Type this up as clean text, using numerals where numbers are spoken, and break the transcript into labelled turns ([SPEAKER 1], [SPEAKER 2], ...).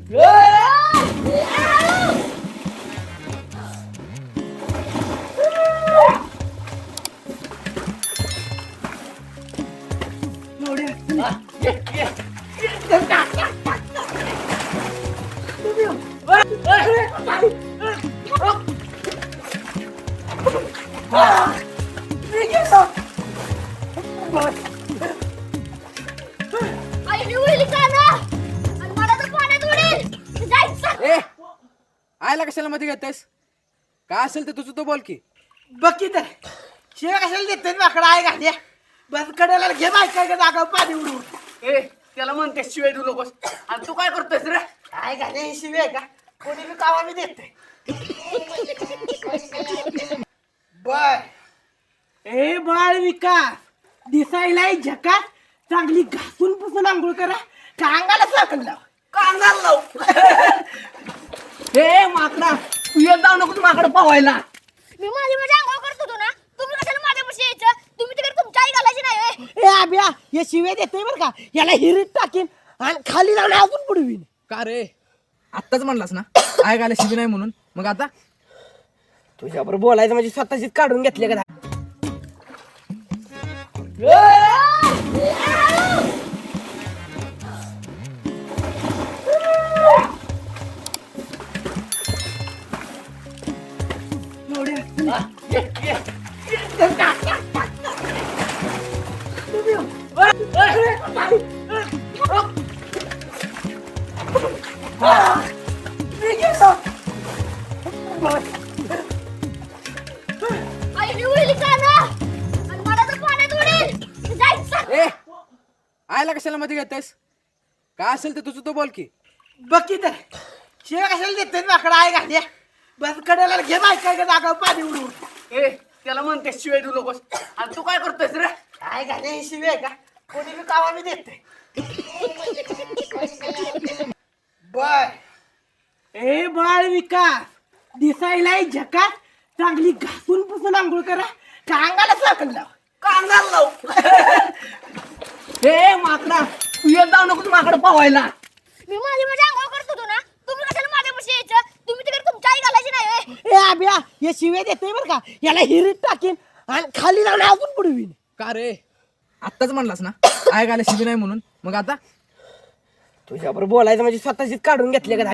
[SPEAKER 1] आयला कशाला मध्ये घेतेस? काय असेल ते तुझं तो बोल की.
[SPEAKER 2] बघ तर शिव्या कशाला देते माकडा आहे घाल्या बस कडेला घे बायका का जागा पाणी उडवून.
[SPEAKER 3] त्याला म्हणते शिवाय देऊ नकोस. आणि तू काय करतोयस रे?
[SPEAKER 2] काय घाले ही शिवी आहे का? कोणी बी कामा मी देते. बर ए बाळ विकास दिसायला झकास चांगली घासून पुसून आंघोळ करा का अंगाला साखर लाव
[SPEAKER 3] कांगाल लाव. हे माकडा तू येत जाऊ नको माकडं पावायला.
[SPEAKER 4] मी माझी आंघोळ करत होतो ना, तुम्ही कशाला माझ्यापाशी यायचं? तुम्ही तिकडे तुमची आई घालायची नाही.
[SPEAKER 2] ए आब्या हे शिव्या देते बरं का याला हिरीत टाकीन आणि खाली लावून अजून बुडवीन.
[SPEAKER 1] का रे? आत्ताच म्हणलास ना आय गायला शिबी नाही म्हणून. मग आता
[SPEAKER 2] तुझ्याबरोबर बोलायचं म्हणजे स्वतःचीच काढून घेतले का?
[SPEAKER 1] आयला कशाला मध्ये घेतेस? काय असेल ते तुझं तो बोल की.
[SPEAKER 2] बघ तर शिव्या कशाला देते माकडा आहे घाल्या बस कडेला घे बायका का जागा पाणी उडवून.
[SPEAKER 3] त्याला म्हणते शिवाय देऊ नकोस. आणि तू काय करतोयस रे?
[SPEAKER 2] काय घाले ही शिवी आहे का? कोणी बी कामा मी देते. बर ए बाळ विकास दिसायला झकास चांगली घासून पुसून आंघोळ करा का अंगाला साखर लाव
[SPEAKER 3] कांगाल लाव. हे माकडा तू येत जाऊ नको माकडं पावायला.
[SPEAKER 4] मी माझी आंघोळ करत होतो ना, तुम्ही कशाला माझ्यापाशी यायचं? तुम्ही तिकडे तुमची आई घालायची नाही.
[SPEAKER 2] ए आब्या हे शिव्या देते बरं का याला हिरीत टाकीन आणि खाली लावून अजून बुडवीन.
[SPEAKER 1] का रे? आत्ताच म्हणलास ना आय गायला शिबी नाही म्हणून. मग आता
[SPEAKER 2] तुझ्याबरोबर बोलायचं म्हणजे स्वतःचीच काढून घेतले का?